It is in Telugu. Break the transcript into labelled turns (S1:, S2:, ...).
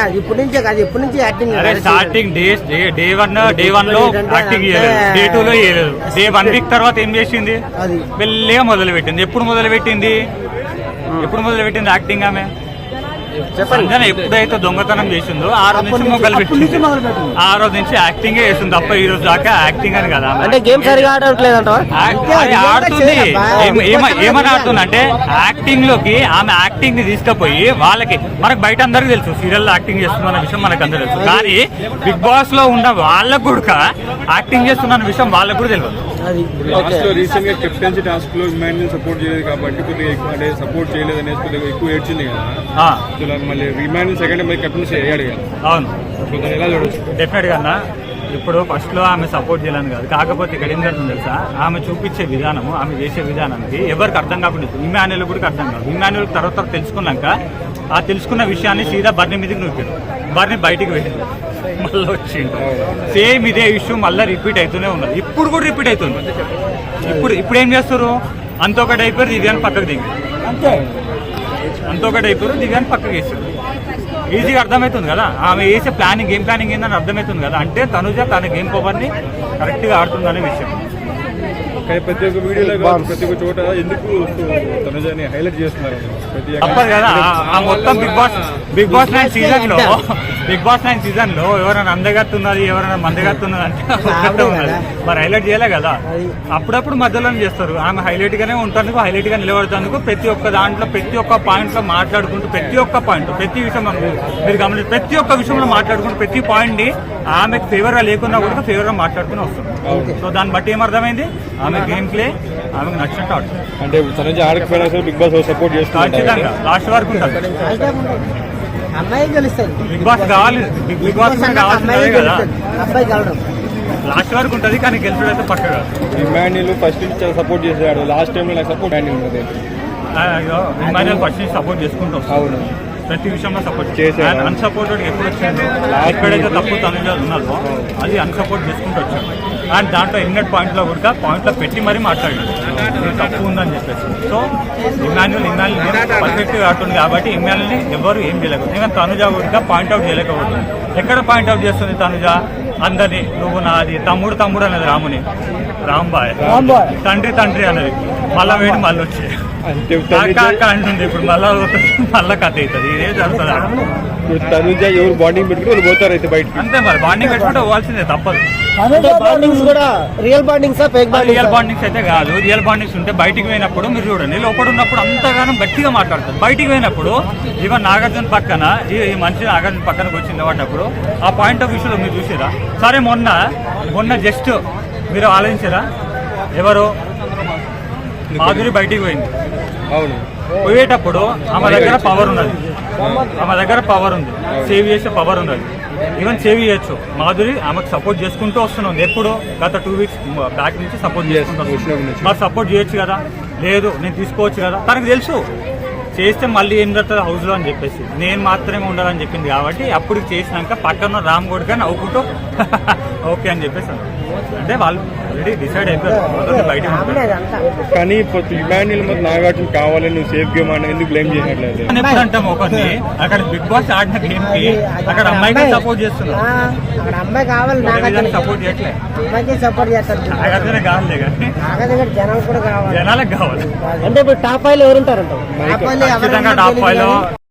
S1: ఇప్పటి నుంచే కాదు, ఇప్పటి నుంచి యాక్టింగ్.
S2: స్టార్టింగ్ డే వన్ లో యాక్టింగ్ చేయలేదు, డే 2 లో చేయలేదు, డే 1 వీక్ తర్వాత ఏం చేసింది, మెల్లగా మొదలు పెట్టింది. ఎప్పుడు మొదలు పెట్టింది యాక్టింగ్? ఆమె సంజన ఎప్పుడైతే దొంగతనం చేసిందో ఆ రోజు నుంచి మొదలు పెట్టింది, ఆ రోజు నుంచి యాక్టింగ్ చేస్తుంది తప్ప ఈ రోజు దాకా యాక్టింగ్ అని కదా.
S1: అంటే గేమ్ సరిగా ఆడట్లేదు
S2: ఆడుతుంది. ఏమని ఆడుతుంది అంటే యాక్టింగ్ లోకి ఆమె యాక్టింగ్ ని తీసుకుపోయి వాళ్ళకి, మనకు బయట అందరికి తెలుసు సీరియల్ యాక్టింగ్ చేస్తున్న విషయం మనకు అందరూ తెలుసు, కానీ బిగ్ బాస్ లో ఉన్న వాళ్ళకు కూడా యాక్టింగ్ చేస్తున్న విషయం వాళ్ళకు కూడా తెలియదు.
S3: రీసెంట్ గా కెప్టెన్సీ టాస్క్ లో ఇమాన్యుల్ సపోర్ట్ చేయలేదు కాబట్టి కొద్దిగా ఎక్కువ సపోర్ట్ చేయలేదు అనేది కొద్దిగా ఎక్కువ ఏడ్చింది కదా. మళ్ళీ ఇమాన్యుల్ సెకండ్ మళ్ళీ కెప్టెన్సీ అయ్యాడు కదా.
S2: అవును,
S3: ఎలా చూడొచ్చు?
S2: డెఫినెట్ గా ఇప్పుడు ఫస్ట్ లో ఆమె సపోర్ట్ చేయాలని కాదు, కాకపోతే ఇక్కడ ఏం జరుగుతుంది తెలుసా, ఆమె చూపించే విధానము, ఆమె చేసే విధానానికి ఎవరికి అర్థం కాకుండా ఇమాన్యుల్ కూడా అర్థం కాదు. ఇమాన్యుల్ తర్వాత తెలుసుకున్నాక ఆ తెలుసుకున్న విషయాన్ని సీదా బర్నీ మీదకి నూపాడు, బర్నీ బయటికి వెళ్ళింది, మళ్ళీ వచ్చిండు. సేమ్ ఇదే ఇష్యూ మళ్ళీ రిపీట్ అవుతూనే ఉన్నది, ఇప్పుడు కూడా రిపీట్ అవుతుంది. ఇప్పుడు ఏం చేస్తారు, అంతొకటి అయిపోయారు, దివ్యాన్ని పక్కకు దిగి అంతొకటి అయిపోయారు, దివ్యాన్ని పక్కకు వేస్తారు. ఈజీగా అర్థమవుతుంది కదా ఆమె వేసే ప్లానింగ్, గేమ్ ప్లానింగ్ ఏందని అర్థమవుతుంది కదా. అంటే తనుజ తన గేమ్ పవర్ని కరెక్ట్గా ఆడుతుందనే విషయం.
S3: ప్రతి ఒక్క వీడియోలో ప్రతి ఒక్క చోట ఎందుకు తనుజని హైలైట్ చేస్తున్నారు
S2: తప్పదు కదా. ఆ మొత్తం బిగ్ బాస్ 9 సీజన్ లో ఎవరైనా అందగత్తున్నది, ఎవరైనా మందగత్తున్నది అంటే ఉన్నది, మరి హైలైట్ చేయలే కదా. అప్పుడప్పుడు మధ్యలో చేస్తారు. ఆమె హైలైట్ గానే ఉంటానికి, హైలైట్ గా నిలబడతానికి ప్రతి ఒక్క దాంట్లో, ప్రతి ఒక్క పాయింట్ లో మాట్లాడుకుంటూ, ప్రతి ఒక్క పాయింట్, ప్రతి విషయం మీరు గమనించి ప్రతి ఒక్క విషయంలో మాట్లాడుకుంటూ, ప్రతి పాయింట్ ని ఆమెకు ఫేవర్ గా లేకున్నా కూడా ఫేవర్ గా మాట్లాడుకుని వస్తుంది. సో దాన్ని బట్టి ఏమర్థమైంది, ఆమె గేమ్ ప్లే ఆమెకు నచ్చినట్టు ఆడుతుంది.
S3: అంటే తనుజ ఆడకపోయినా బిగ్ బాస్ సపోర్ట్ చేస్తుంది,
S2: ఖచ్చితంగా లాస్ట్ వరకు ఉంటుంది.
S1: అమ్మాయి గెలుస్తుంది,
S2: బిగ్ బాస్ కావాలి, బిగ్ బాస్ కావాల్సిందే కదా,
S1: అబ్బాయి గెలవడం
S2: లాస్ట్ వరకు ఉంటుంది. కానీ గెలుపుడు అయితే పక్క కాదు.
S3: ఇమాన్యుల్ ఫస్ట్ నుంచి సపోర్ట్ చేసాడు, లాస్ట్ టైం నాకు సపోర్ట్
S2: ఇమాన్యుల్ ఫస్ట్ నుంచి సపోర్ట్ చేసుకుంటూ
S3: అవును,
S2: ప్రతి విషయంలో సపోర్ట్ చేశాడు. అన్సపోర్టెడ్ ఎప్పుడు వచ్చింది, ఎక్కడైతే తప్పు తనుజ ఉన్నదో అది అన్సపోర్ట్ చేసుకుంటూ వచ్చాడు. అండ్ దాంట్లో ఎన్నట్ పాయింట్లో కూడా పాయింట్లో పెట్టి మరీ మాట్లాడాడు తప్పు ఉందని చెప్పేసి. సో ఇమాన్యుల్ పర్ఫెక్ట్గా ఆడుతుంది కాబట్టి ఇమాన్యుల్ని ఎవరు ఏం చేయలేకపోతుంది. ఇంకా తనుజ కూడా పాయింట్అవుట్ చేయలేకపోతుంది. ఎక్కడ పాయింట్అవుట్ చేస్తుంది తనుజ అందరినీ, నువ్వు నాది తమ్ముడు అనేది రాముని, రాంబాయ్ తండ్రి అనేది, మళ్ళా వేడి మళ్ళీ వచ్చి అంటుంది. ఇప్పుడు మళ్ళా కథ అవుతుంది. ఇదే జరుగుతుంది.
S3: తనుజ ఎవరు బాండింగ్ పెట్టుకుని పోతారు అయితే బయట,
S2: అంతే మరి. బాండింగ్ పెట్టుకుంటే పోవాల్సిందే, తప్పదు.
S1: రియల్ బాండింగ్స్
S2: అయితే కాదు. రియల్ బాండింగ్స్ ఉంటే బయటికి పోయినప్పుడు మీరు చూడండి, లోపల ఉన్నప్పుడు అంతగానం గట్టిగా మాట్లాడతారు. బయటికి పోయినప్పుడు ఈవెన్ నాగార్జున పక్కన ఈ మనిషి నాగార్జున పక్కనకు వచ్చి నిలబడినప్పుడు ఆ పాయింట్ ఆఫ్ వ్యూలో మీరు చూసారా? సరే మొన్న జస్ట్ మీరు ఆలోచించారా, ఎవరు మాధురి బయటికి పోయింది,
S3: అవును,
S2: పోయేటప్పుడు ఆమె దగ్గర పవర్ ఉన్నది, సేవ్ చేసే పవర్ ఉన్నది. ఈవెన్ సేవ్ చేయొచ్చు. మాధురి ఆమెకు సపోర్ట్ చేసుకుంటూ వస్తున్నాం, ఎప్పుడు గత 2 వీక్స్ బ్యాక్ నుంచి సపోర్ట్ చేసుకుంటూ వస్తున్నాం. మరి సపోర్ట్ చేయొచ్చు కదా, లేదు నేను తీసుకోవచ్చు కదా. తనకు తెలుసు చేస్తే మళ్ళీ ఏం జరుగుతుంది హౌస్లో అని చెప్పేసి, నేను మాత్రమే ఉండాలని చెప్పింది కాబట్టి అప్పుడు చేసినాక పక్కన రామ్ గోడ్గా నవ్వుకుంటూ ఓకే అని చెప్పేసి అంటే వాళ్ళు ఆల్రెడీ డిసైడ్ అయిపోయారు బయట.
S3: కానీ ఇమాన్యుల్ మరి నాగార్జున కావాలని నువ్వు సేఫ్ గేమ్ అని ఎందుకు బ్లేమ్ చేసినట్లేదు?
S2: ఎప్పుడు అంటాం ఒకరిని, అక్కడ బిగ్ బాస్ ఆడిన గేమ్ కి అక్కడ అమ్మాయికి సపోర్ట్ చేస్తున్నారు,
S1: అమ్మాయి కావాలి,
S2: సపోర్ట్ చేయట్లేదు.
S1: సపోర్ట్ చేస్తారు,
S2: నాగార్జున కావాలి కానీ
S1: జనాలు కూడా కావాలి,
S2: జనాలకు కావాలి.
S1: అంటే ఇప్పుడు టాప్ 5 లో ఎవరుంటారంట?
S2: ఖచ్చితంగా టాప్ 5 లో